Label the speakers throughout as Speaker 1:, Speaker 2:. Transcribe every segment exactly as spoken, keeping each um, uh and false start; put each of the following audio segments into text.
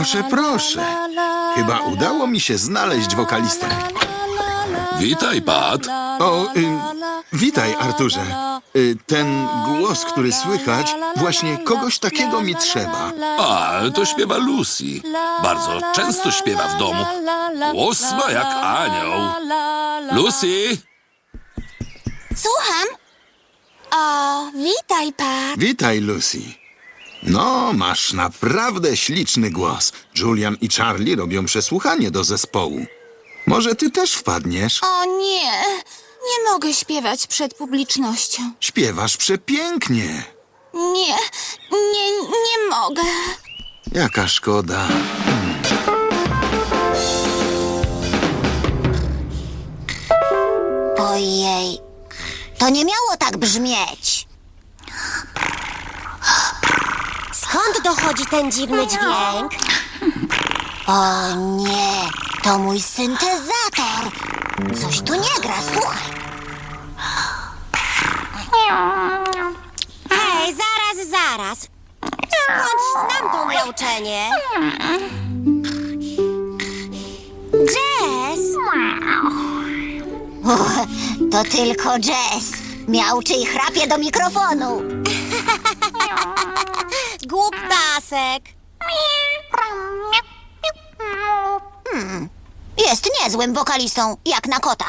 Speaker 1: Proszę, proszę. Chyba udało mi się znaleźć wokalistę.
Speaker 2: Witaj, Pat.
Speaker 1: O, y, witaj, Arturze. Y, ten głos, który słychać, właśnie kogoś takiego mi trzeba.
Speaker 2: A, to śpiewa Lucy. Bardzo często śpiewa w domu. Głos ma jak anioł. Lucy!
Speaker 3: Słucham. O, witaj, Pat.
Speaker 1: Witaj, Lucy. No, masz naprawdę śliczny głos. Julian i Charlie robią przesłuchanie do zespołu. Może ty też wpadniesz?
Speaker 3: O nie, nie mogę śpiewać przed publicznością.
Speaker 1: Śpiewasz przepięknie.
Speaker 3: Nie, nie, nie mogę.
Speaker 1: Jaka szkoda.
Speaker 3: Ojej, to nie miało tak brzmieć.
Speaker 4: Skąd dochodzi ten dziwny dźwięk?
Speaker 3: O nie, to mój syntezator. Coś tu nie gra, słuchaj.
Speaker 4: Hej, zaraz, zaraz. Skąd znam to miauczenie? Jess!
Speaker 3: Uch, to tylko Jess. Miauczy i chrapie do mikrofonu.
Speaker 4: Głuptasek!
Speaker 3: Jest niezłym wokalistą, jak na kota.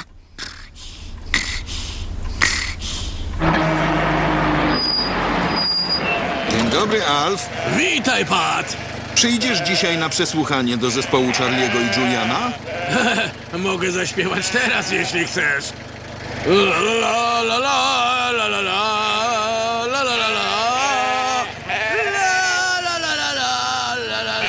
Speaker 1: Dzień dobry, Alf.
Speaker 5: Witaj, Pat!
Speaker 1: Przyjdziesz dzisiaj na przesłuchanie do zespołu Charliego i Juliana?
Speaker 5: Mogę zaśpiewać teraz, jeśli chcesz. La la la la la la la la la la la la. La la la la la la la la.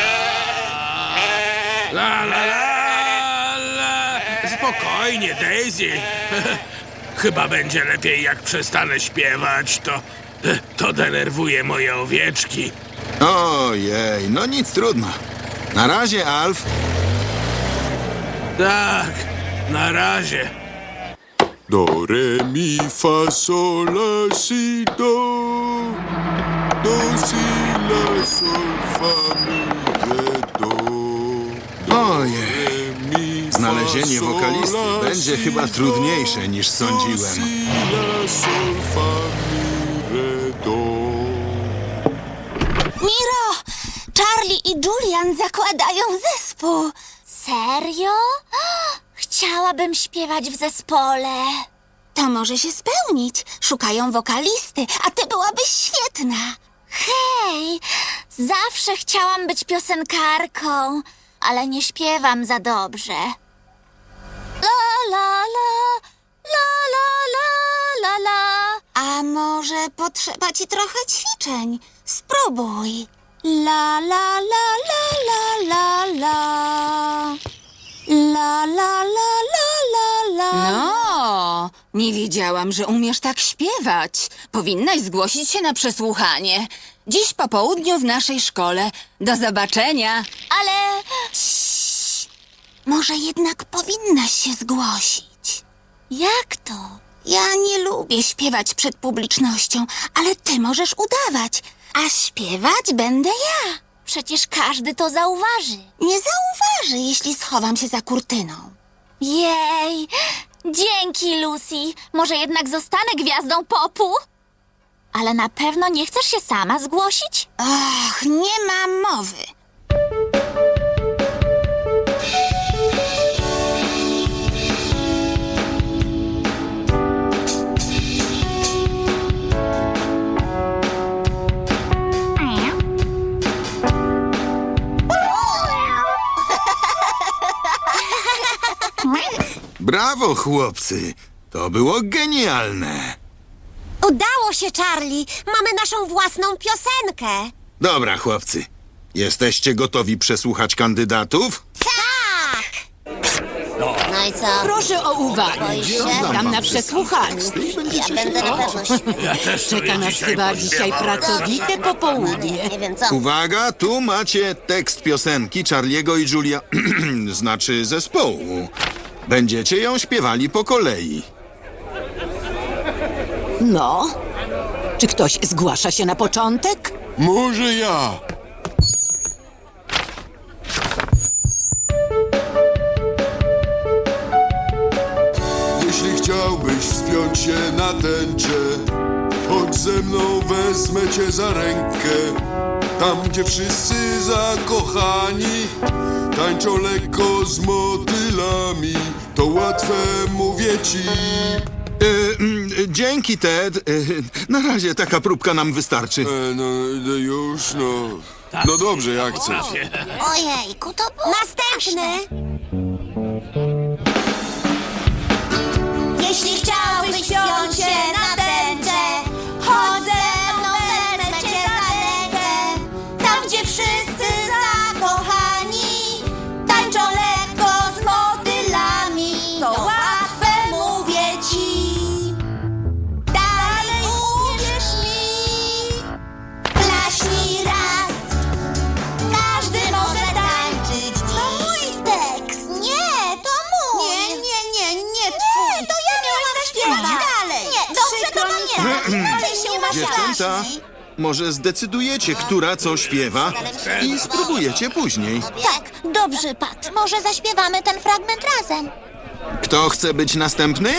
Speaker 5: La la la la. Spokojnie, Daisy. Chyba będzie lepiej, jak przestanę śpiewać. To, to denerwuje moje owieczki.
Speaker 1: Ojej, no nic trudno. Na razie, Alf.
Speaker 5: Tak, na razie.
Speaker 2: Do, re, mi, fa, sol, la, si, do. Do, si, la, sol, fa, mi, re, do. Do,
Speaker 1: Ojej.
Speaker 2: re, mi, fa,
Speaker 1: Znalezienie
Speaker 2: sol,
Speaker 1: wokalisty
Speaker 2: la,
Speaker 1: będzie
Speaker 2: si,
Speaker 1: chyba
Speaker 2: do.
Speaker 1: trudniejsze niż
Speaker 2: Do,
Speaker 1: sądziłem.
Speaker 2: si, la, sol, fa, mi, re, do.
Speaker 3: Miro, Charlie i Julian zakładają zespół. Serio? Chciałabym śpiewać w zespole. To może się spełnić. Szukają wokalisty, a ty byłabyś świetna. Hej, zawsze chciałam być piosenkarką, ale nie śpiewam za dobrze. La la la, la la la la la. A może potrzeba ci trochę ćwiczeń? Spróbuj. La la la la la la la. La la la la la la.
Speaker 6: No, nie wiedziałam, że umiesz tak śpiewać. Powinnaś zgłosić się na przesłuchanie. Dziś po południu w naszej szkole. Do zobaczenia.
Speaker 3: Ale... Ciii. Może jednak powinnaś się zgłosić. Jak to? Ja nie lubię śpiewać przed publicznością, ale ty możesz udawać, a śpiewać będę ja. Przecież każdy to zauważy. Nie zauważy, jeśli schowam się za kurtyną. Jej! Dzięki, Lucy. Może jednak zostanę gwiazdą popu? Ale na pewno nie chcesz się sama zgłosić? Och, nie ma mowy.
Speaker 1: Brawo, chłopcy. To było genialne.
Speaker 4: Udało się, Charlie! Mamy naszą własną piosenkę!
Speaker 1: Dobra, chłopcy. Jesteście gotowi przesłuchać kandydatów?
Speaker 4: Tak!
Speaker 3: No i co?
Speaker 6: Proszę o uwagę.
Speaker 3: Boisz się?
Speaker 6: Tam na przesłuchaniu.
Speaker 3: Ja będę na pewno śpiewać.
Speaker 5: Ja też
Speaker 6: Czeka
Speaker 5: sobie
Speaker 6: nas
Speaker 5: dzisiaj
Speaker 6: chyba dzisiaj
Speaker 5: pośpiewałem.
Speaker 6: pracowite popołudnie.
Speaker 3: Nie wiem co.
Speaker 1: Uwaga, tu macie tekst piosenki Charliego i Julia... znaczy zespołu. Będziecie ją śpiewali po kolei.
Speaker 6: No, czy ktoś zgłasza się na początek?
Speaker 2: Może ja.
Speaker 7: na tęczę. Chodź ze mną, wezmę cię za rękę. Tam, gdzie wszyscy zakochani tańczą lekko z motylami. To łatwe, mówię ci.
Speaker 1: E, mm, dzięki, Ted. E, na razie taka próbka nam wystarczy.
Speaker 7: E, no, no już, no. No dobrze, jak chcesz.
Speaker 3: Ojejku, to było
Speaker 4: Następny.
Speaker 3: Jeśli chciałbyś wziąć się na tęczę, chodź ze mną, wezmę cię za rękę. Tam, gdzie wszyscy zakochani tańczą lekko z motylami. To łatwe, mówię ci. Dalej uwierz mi. Klaśnij raz. Każdy może tańczyć dziś. To mój tekst. Nie, to mój. Nie, nie, nie, nie twój. To ja miałam zaśpiewać dalej. Nie, dobrze, to pamiętam. Dalej się umasz
Speaker 1: Dziewczęta,
Speaker 3: racji.
Speaker 1: może zdecydujecie, która co śpiewa i spróbujecie później.
Speaker 3: Tak, dobrze, Pat. Może zaśpiewamy ten fragment razem.
Speaker 1: Kto chce być następny?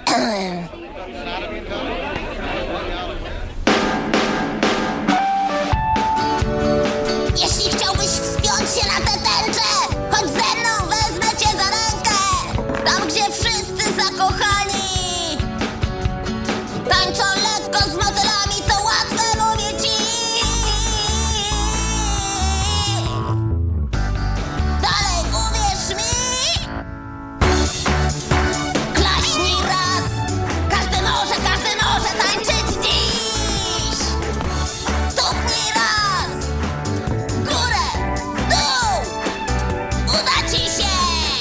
Speaker 3: Jeśli chciałbyś wspiąć się na tę tęczę, chodź ze mną, wezmę cię za rękę. Tam, gdzie wszyscy zakochani tańczą lekko z motylami, to łatwe, mówię ci. Dalej uwierz mi. Klaśnij raz. Każdy może, każdy może tańczyć dziś. Stuknij raz. Górę, dół. Uda ci się.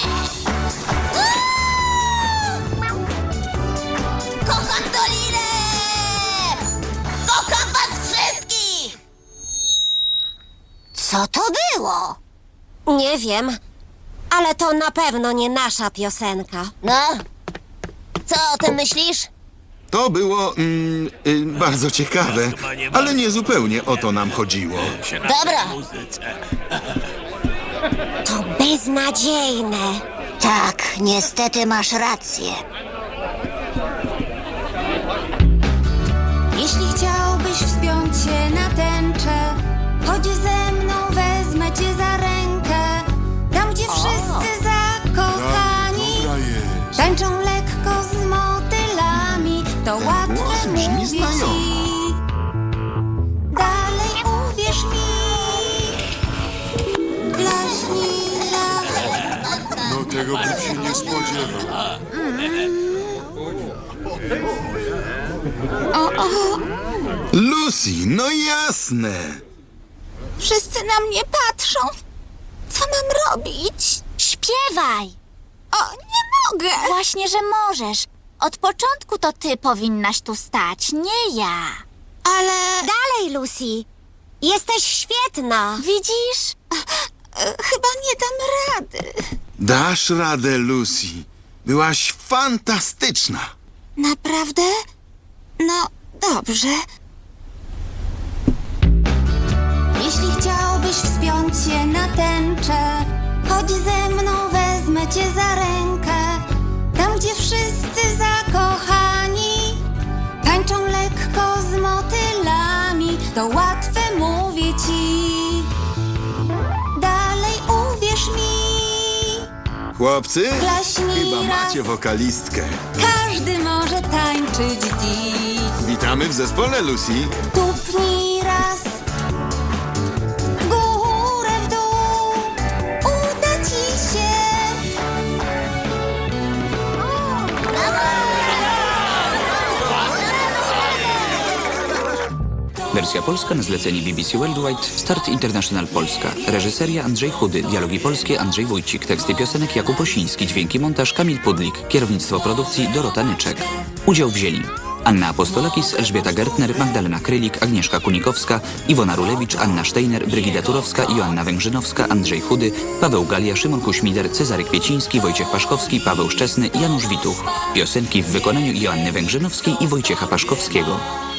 Speaker 3: Uuu! Kocham Dolinę. Kocham was wszystkich. Co to było?
Speaker 4: Nie wiem, ale to na pewno nie nasza piosenka.
Speaker 3: No, co o tym myślisz?
Speaker 1: To było mm, y, bardzo ciekawe, ale nie zupełnie o to nam chodziło.
Speaker 3: Dobra.
Speaker 4: To beznadziejne.
Speaker 3: Tak, niestety masz rację.
Speaker 8: Jeśli chciałbyś wspiąć się na tęczę, chodź ze mną, wezmę cię za rękę. Tam, gdzie wszyscy zakochani
Speaker 7: Dobra jest.
Speaker 8: tańczą lekko z motylami, to
Speaker 1: głos
Speaker 8: łatwe,
Speaker 1: brzmi
Speaker 8: mówię
Speaker 1: znajomo.
Speaker 8: ci. Dalej uwierz mi. Klaśnij raz.
Speaker 7: No tego bym się nie spodziewał.
Speaker 1: Lucy, no jasne.
Speaker 3: Wszyscy na mnie patrzą. Co mam robić? Śpiewaj. O, nie mogę. Właśnie, że możesz. Od początku to ty powinnaś tu stać, nie ja. Ale...
Speaker 4: Dalej, Lucy. Jesteś świetna.
Speaker 3: Widzisz? Chyba nie dam rady.
Speaker 1: Dasz radę, Lucy. Byłaś fantastyczna.
Speaker 3: Naprawdę? No, dobrze.
Speaker 8: Jeśli chciałbyś wspiąć się na tęczę, chodź ze mną, wezmę cię za rękę. Tam, gdzie wszyscy zakochani tańczą lekko z motylami, to łatwe, mówię ci. Dalej uwierz mi.
Speaker 1: Chłopcy,
Speaker 8: Klaśnij
Speaker 1: chyba
Speaker 8: raz.
Speaker 1: macie wokalistkę.
Speaker 8: Każdy może tańczyć dziś.
Speaker 1: Witamy w zespole, Lucy.
Speaker 8: Tupnij raz. W górę, w dół. Uda ci się.
Speaker 9: Wersja polska na zlecenie B B C Worldwide, Start International Polska. Reżyseria Andrzej Chudy, dialogi polskie Andrzej Wójcik, teksty piosenek Jakub Osiński, dźwięki montaż Kamil Pudlik, kierownictwo produkcji Dorota Nyczek. Udział wzięli Anna Apostolakis, Elżbieta Gertner, Magdalena Krylik, Agnieszka Kunikowska, Iwona Rulewicz, Anna Steiner, Brygida Turowska, Joanna Węgrzynowska, Andrzej Chudy, Paweł Galia, Szymon Kuśmider, Cezary Kwieciński, Wojciech Paszkowski, Paweł Szczesny, Janusz Wituch. Piosenki w wykonaniu Joanny Węgrzynowskiej i Wojciecha Paszkowskiego.